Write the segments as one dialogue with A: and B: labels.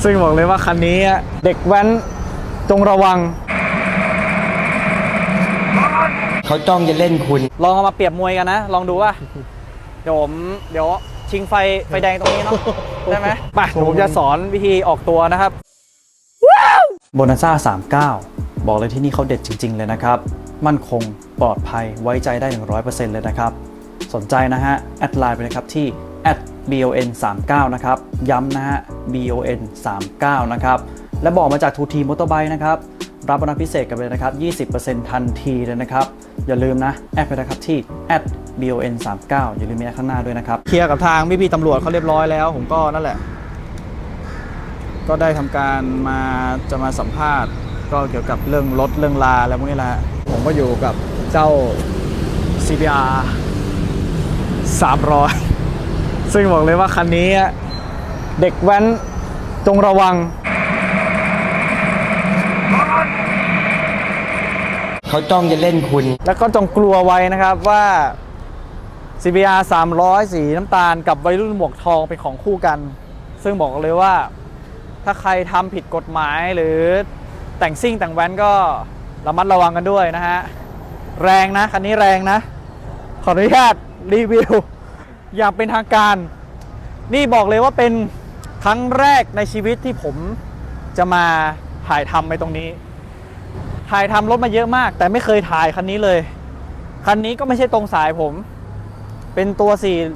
A: ซึ่งบอกเลยว่าคันนี้เด็กแว้นจงระวัง
B: เขาจ้องจะเล่นคุณ
A: ลองเอามาเปรียบมวยกันนะลองดูว่าเดี๋ยวชิงไฟแดงตรงนี้เนาะได้ไหมไปผมจะสอนวิธีออกตัวนะครับโบนัสซ่า39บอกเลยที่นี่เขาเด็ดจริงๆเลยนะครับมั่นคงปลอดภัยไว้ใจได้ 100% เลยนะครับสนใจนะฮะแอดไลน์ไปนะครับที่ @bon39 นะครับย้ำนะฮะ bon39 นะครับและบอกมาจากทูทีมอเตอร์ไบค์นะครับรับโบนัสพิเศษกันเลยนะครับ 20% ทันทีเลยนะครับอย่าลืมนะแอดไปนะครับที่ @bon39 อย่าลืมมีข้างหน้าด้วยนะครับเคลียร์กับทางพี่ตำรวจเขาเรียบร้อยแล้วผมก็นั่นแหละก็ได้ทำการจะมาสัมภาษณ์ก็เกี่ยวกับเรื่องรถเรื่องลาแล้วพวกนี้แหละผมก็อยู่กับเจ้า CBR 300ซึ่งบอกเลยว่าคันนี้เด็กแว้นจงระวัง
B: เขาจ้องจะเล่นคุณ
A: แล้วก็จงกลัวไว้นะครับว่า CBR 300สีน้ำตาลกับวัยรุ่นหมวกทองเป็นของคู่กันซึ่งบอกเลยว่าถ้าใครทำผิดกฎหมายหรือแต่งซิ่งแต่งแว้นก็ระมัดระวังกันด้วยนะฮะแรงนะคันนี้แรงนะขออนุญาตรีวิวอย่างเป็นทางการนี่บอกเลยว่าเป็นครั้งแรกในชีวิตที่ผมจะมาถ่ายทำไปตรงนี้ถ่ายทำรถมาเยอะมากแต่ไม่เคยถ่ายคันนี้เลยคันนี้ก็ไม่ใช่ตรงสายผมเป็นตัว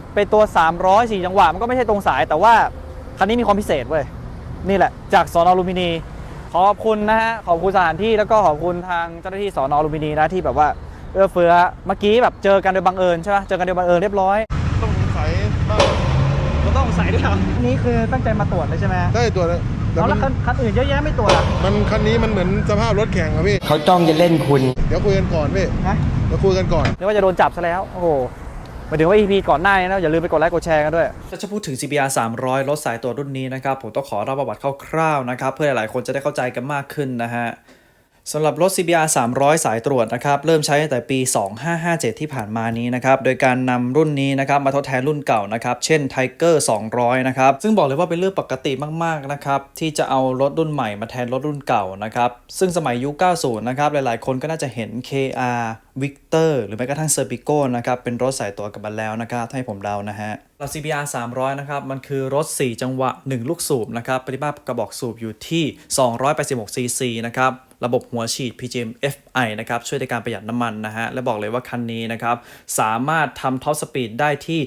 A: 300 4จังหวะมันก็ไม่ใช่ตรงสายแต่ว่าคันนี้มีความพิเศษเว้ยนี่แหละจากสน.ลุมพินีขอบคุณนะฮะขอบคุณสถานที่แล้วก็ขอบคุณทางเจ้าหน้าที่สน.ลุมพินีนะที่แบบว่าเอื้อเฟื้อเมื่อกี้แบบเจอกันโดยบังเอิญใช่ไหมเจอกันโดยบังเอิญเรียบร้อย
C: ต้องสงสัยบ้าง
A: เราต้องสงสัยด้วยครับนี่คือตั้งใจมาตรวจเลยใช่ไหม
C: ได้ตรวจ
A: แล้วคันอื่นเยอะแยะไม่ตรวจอ่ะ
C: คันนี้มันเหมือนสภาพรถแข่งอะพี่
B: เขาจ้องจะเล่นคุณ
C: เดี๋ยวคุยกันก่อนพี่เดี๋ยวคุยกันก่อน
A: นึกว่าจะโดนจับซะแล้วโอ้โหมาถึงว่า EP ก่อนหน้านี้นะอย่าลืมไปกดไลค์กดแชร์กันด้วยถ้าจะพูดถึง CBR 300รถสายตรวจรุ่นนี้นะครับผมต้องขอเล่าประวัติคร่าวๆนะครับเพื่อหลายๆคนจะได้เข้าใจกันมากขึ้นนะฮะสำหรับรถ CBR 300สายตรวจนะครับเริ่มใช้ตั้งแต่ปี 2557 ที่ผ่านมานี้นะครับโดยการนำรุ่นนี้นะครับมาทดแทนรุ่นเก่านะครับเช่น Tiger 200นะครับซึ่งบอกเลยว่าเป็นเรื่องปกติมากๆนะครับที่จะเอารถรุ่นใหม่มาแทนรถรุ่นเก่านะครับซึ่งสมัยยุค 90 นะครับหลายๆคนก็น่าจะเห็น KR Victor หรือแม้กระทั่ง Serpico นะครับเป็นรถสายตรวจกันมาแล้วนะครับให้ผมเดานะฮะCBR 300นะครับมันคือรถ4จังหวะ1ลูกสูบนะครับปริมาตรกระบอกสูบอยู่ที่286 cc นะครับระบบหัวฉีด PGM FI นะครับช่วยในการประหยัดน้ำมันนะฮะและบอกเลยว่าคันนี้นะครับสามารถทำท็อปสปีดได้ที่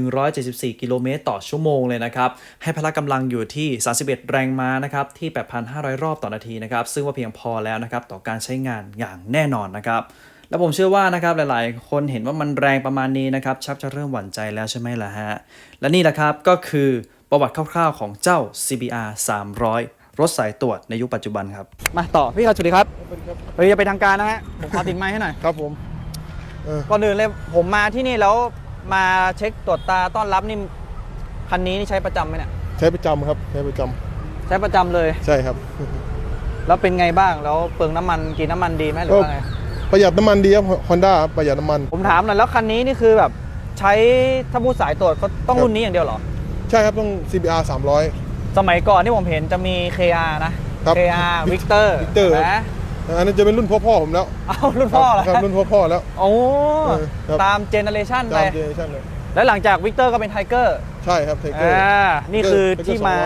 A: 174กิโลเมตรต่อชั่วโมงเลยนะครับให้พละกำลังอยู่ที่31แรงม้านะครับที่ 8,500 รอบต่อนาทีนะครับซึ่งว่าเพียงพอแล้วนะครับต่อการใช้งานอย่างแน่นอนนะครับแล้วผมเชื่อว่านะครับหลายๆคนเห็นว่ามันแรงประมาณนี้นะครับชักจะเริ่มหวั่นใจแล้วใช่ไหมล่ะฮะและนี่แหละครับก็คือประวัติคร่าวๆของเจ้า CBR 300รถสายตรวจในยุคปัจจุบันครับมาต่อพี่ครับสวัสดีครับเฮ้ยจะไปทางการนะฮะผมขอติดไมค์ให้หน่อย
C: ครับผม
A: ก่อนอื่นเลยผมมาที่นี่แล้วมาเช็คตรวจตาต้อนรับนี่คันนี้นี่ใช้ประจำไหมเนี่ย
C: ใช้ประจำครับใช้ประจำ
A: เลย
C: ใช่ครับ
A: แล้วเป็นไงบ้างแล้วเปลืองน้ำมันกินน้ำมันดีไหมหรือว่าไง
C: ประหยัดน้ำมันดีครับ Honda ประหยัดน้ำมัน
A: ผมถามหน่อยแล้วคันนี้นี่คือแบบใช้ถ้าพูดสายตรวจก็ต้องรุ่นนี้อย่างเดียวเหรอ
C: ใช่ครับต้อง CBR 300
A: สมัยก่อนที่ผมเห็นจะมี KR นะ KR Victor นะ
C: อันนั้นจะเป็นรุ่นพ่อผมแล้ว
A: เอารุ่นพ่อเหรอ
C: ครับรุ่นพ่อแล้ว
A: โอ้ตามเจเนอเรชันไป
C: เลย
A: แล้วหลังจาก Victor ก็เป็น Tiger
C: ใช่ครับ Tiger
A: นี่คือที่มา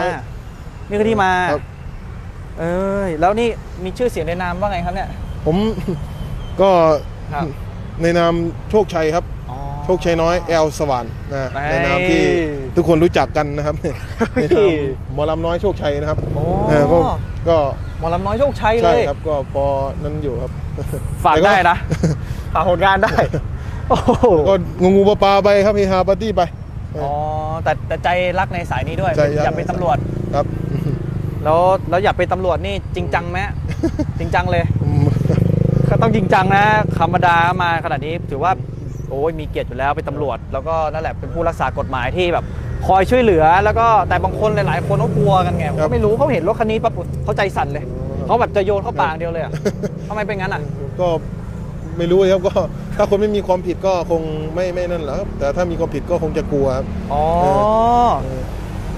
A: แล้วนี่มีชื่อเสียงในนามว่าไงครับเนี่ย
C: ผมก็ในนามโชคชัยครับโชคชัยน้อยแอลสว่านนะในนามที่ทุกคนรู้จักกันนะครับในนามหมอลำน้อยโชคชัยนะครับก็
A: หมอลำน้อยโชคชัยเลย
C: ใช่ครับก็ปอนั้นอยู่ครับ
A: ฝากได้นะฝากผลงานได้
C: ก็งูปลาไปครับเฮฮาปาร์ตี้ไป
A: แต่ใจรักในสายนี้ด้วยอยากเป็นตำรวจ
C: ครับ
A: แล้วอยากเป็นตำรวจนี่จริงจังไหมจริงจังเลยก็ต้องจริงจังนะธรรมดามาขนาดนี้ถือว่าโอ้ยมีเกียรติอยู่แล้วเป็นตำรวจแล้วก็นั่นแหละเป็นผู้รักษากฎหมายที่แบบคอยช่วยเหลือแล้วก็แต่บางคนหลายๆคนเขากลัวกันไงเขาไม่รู้เขาเห็นรถคันนี้ปั๊บเขาใจสั่นเลยเขาแบบจะโยนเข้าปากเดียวเลยอ่ะทำไมเป็นงั้นอ่ะ
C: ก็ไม่รู้ครับก็ถ้าคนไม่มีความผิดก็คงไม่นั่นแหละครับแต่ถ้ามีความผิดก็คงจะกลัวครับ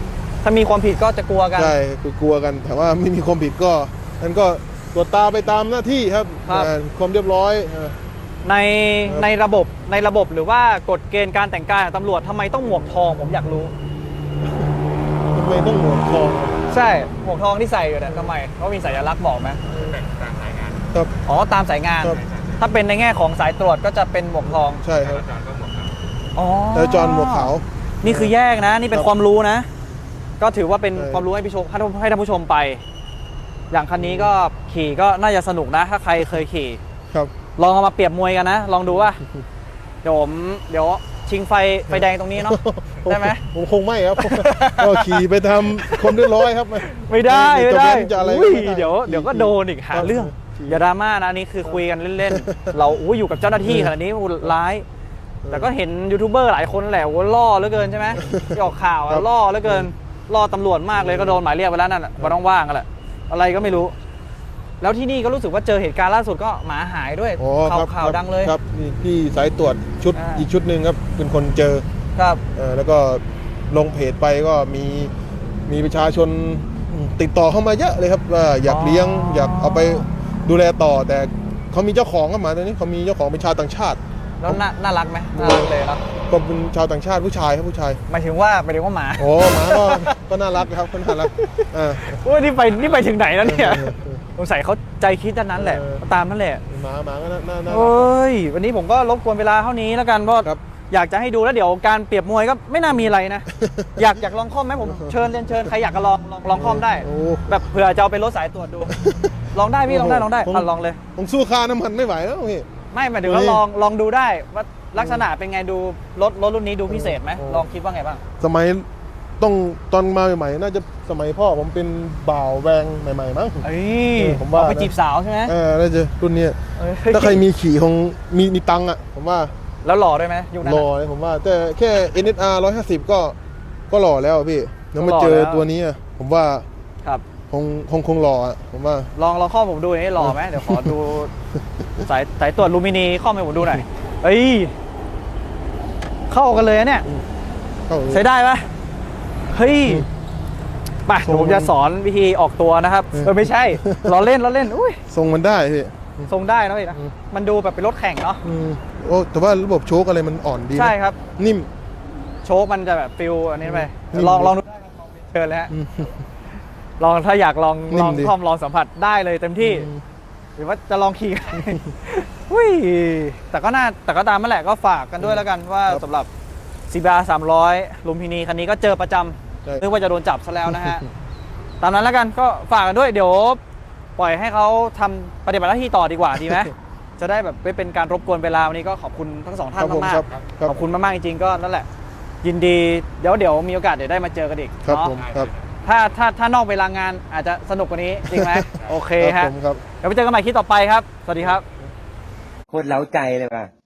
A: ถ้ามีความผิดก็จะกลัวกัน
C: ใช่คือกลัวกันแต่ว่าไม่มีความผิดก็นั่นก็ตรวจตาไปตามหน้าที่ครับ
A: ครับ
C: ความเรียบร้อย
A: ใน
C: ครับ
A: ในระบบหรือว่ากฎเกณฑ์การแต่งกายของตำรวจทำไมต้องหมวกทองผมอยากรู้
C: ทำไมต้องหมวกทอง
A: ใช่หมวกทองที่ใส่อยู่เนี่ยทำไมเขามีสัญลักษณ์บอกไหม
C: ครับ
A: อ๋อตามสายงาน
C: ครับ
A: ถ้าเป็นในแง่ของสายตรวจก็จะเป็นหมวกทอง
C: ใช่ครับ
A: อ๋อ
C: แต่จอห์นหมวกขาว
A: นี่คือแยกนะ นี่เป็
C: คน รับ
A: ความรู้นะ ก็ถือว่าเป็น
C: ใช่
A: ความรู้ให้ผู้ชมให้ท่านผู้ชมไป อย่างคันนี้ก็ขี่ก็น่าจะสนุกนะ ถ้าใครเคยขี่
C: ครับ
A: ลองเอามาเปรียบมวยกันนะ ลองดูว่า เดี๋ยวชิงไฟแดงตรงนี้เนาะ ได้ไหม
C: ผมคงไม่ครับ ก็ขี่ไปทำความเรียบร้อยครับ
A: ไม่ได้
C: จะ
A: ไม่ได้
C: เว้นจะอะไร
A: อุ้ย
C: ไม่ไ
A: เดี๋ยวก็โดนอีกหาเรื่อง
C: ขี่
A: อย่าดราม่านะอันนี่คือคุยกันเล่นๆ เราอยู่กับเจ้าหน้าที่ขนาดนี้ร้าย แต่ก็เห็นยูทูบเบอร์หลายคนแหละว่าล่อเหลือเกินใช่ไหมที่ออกข่าวอะล่อเหลือเกินล่อตำรวจมากเลยก็โดนหมายเรียกไปแล้วนั่นแหละวันว่างๆกันแหละอะไรก็ไม่รู้ แล้วที่นี่ก็รู้สึกว่าเจอเหตุการณ์ล่าสุดก็หมาหายด้วย
C: อ๋อครับ
A: ข่าวดังเลย
C: ครับนี่พี่สายตรวจ
A: อ่า
C: อีกชุดหนึ่งครับเป็นคนเจอ
A: ครับ
C: แล้วก็ลงเพจไปก็มีประชาชนติดต่อเข้ามาเยอะเลยครับว่าอยากเลี้ยงอยากเอาไปดูแลต่อ แต่เขามีเจ้าของครับหมาตัวนี้เขามีเจ้าของเป็นชาวต่างชาติ
A: แล้วน่ารักไหมน่ารักเลยครับ
C: ก็เป็นชาวต่างชาติผู้ชายครับผู้ชาย
A: หมายถึงว่าหมา
C: โอ้หมาก็น่ารักครับก็น่ารักอ่า
A: โอ้ยนี่ไปถึงไหนแล้วเนี่ยสงสัยเขาใจคิดด้านนั้นแหละ
C: เออ
A: ตามนั่นแหละ
C: หมาก็น่ารัก
A: โอ้ยวันนี้ผมก็รบกวนเวลาเท่านี้แล้วกันเพราะ
C: ครับ
A: อยากจะให้ดูแล้วเดี๋ยวการเปรียบมวยก็ไม่น่ามีอะไรนะ อยากลองคอมไหมผมเชิญใครอยากจะลองคอมได้
C: โอ้
A: แบบเผื่อจะเอาไปรถสายตรวจดู ลองได้พี่ลองได้
C: ผม
A: ลองเลย
C: ผมสู้ค่าน้ำมันไม่ไหวแล้วพี่
A: ไม่หมายถึงว่าลองดูได้ว่าลักษณะเป็นไงดูรถรุ่นนี้ดูพิเศษไหม
C: โอ้
A: ลองคิดว่าไงบ้าง
C: สมัยต้องตอนมาใหม่ๆน่าจะสมัยพ่อผมเป็นบ่าวแวงใหม่ๆมั้ง
A: เอ้ย
C: ผมว่า
A: เอไปจีบสาวใช่ไหม
C: น่าจะรุ่นเนี้ย
A: เอ้ย
C: ถ้าใครมีขี่คงมีตังค์อ่ะผมว่า
A: แล้วหล่อด้วยไหมยุคนั้น
C: ห
A: อะ
C: ล่อเลยผมว่าแต่แค่ NSR 150ก็หล่อแล้วอะพี่แล้วมา
A: ก็หล่อ
C: เจอ
A: แล้ว
C: ตัวนี้อะผมว่า
A: ครับ
C: คงหล่ออะผมว่า
A: ลองข้อผมดูหน่อยหล่อไหมเดี๋ยวขอดู สายตรวจลูมินีข้อให้ผมดูหน่อยเอ้ยเข้ากันเลยนะเนี่ย
C: เข้า
A: ใช้ได้ปะเฮ้ยไปเดี๋ยวผมจะสอนวิธีออกตัวนะครับไม่ใช่ล้อเล่นอุ้ย
C: ทรงมันได้พี่
A: ทรงได้นะพี่นะ
C: อืม
A: มันดูแบบเป็นรถแข่งเนาะ
C: โอ้แต่ว่าระบบโชคอะไรมันอ่อนดีนะ
A: ใช่ครับ
C: นิ่ม
A: โชคมันจะแบบฟิลอันนี้ไป
C: นิ่ม
A: ลองดูได้ครับลองเชิญเลยฮะ
C: อืม
A: ลองถ้าอยากลอง
C: นิ่มดี
A: คอมลองสัมผัสได้เลยเต็มที่ หรือว่าจะลองขี่ อุ้ยแต่ก็ตามนั่นแหละก็ฝากกันด้วยแล้วกันว่าสำหรับ CBR 300ลุมพินีคันนี้ก็เจอประจ
C: ใช่
A: ำนึกว่าจะโดนจับซะแล้วนะฮะ ตามนั้นแล้วกันก็ฝากกันด้วยเดี๋ยวปล่อยให้เขาทำปฏิบัติหน้าที่ต่อดีกว่าดีไหม จะได้แบบไม่เป็นการรบกวนเวลาวันนี้ก็ขอบคุณทั้งสองท่าน
C: ครับผม
A: มาก
C: ครับ
A: ๆ
C: ครับ
A: ขอบคุณมากๆจริงๆก็นั่นแหละ ยินดีเดี๋ยวมีโอกาสเดี๋ยวได้มาเจอกันอีก
C: ครับ
A: เนาะ
C: ผมครับ
A: ถ้านอกเวลางานอาจจะสนุกกว่านี้จริงไหม โอเค
C: ครั
A: ฮะ
C: บผมครับ
A: เดี๋ยวไปเจอกันใหม่คลิปต่อไปครับ สวัสดีครับ
B: โคตรเล้าใจเลยว่ะ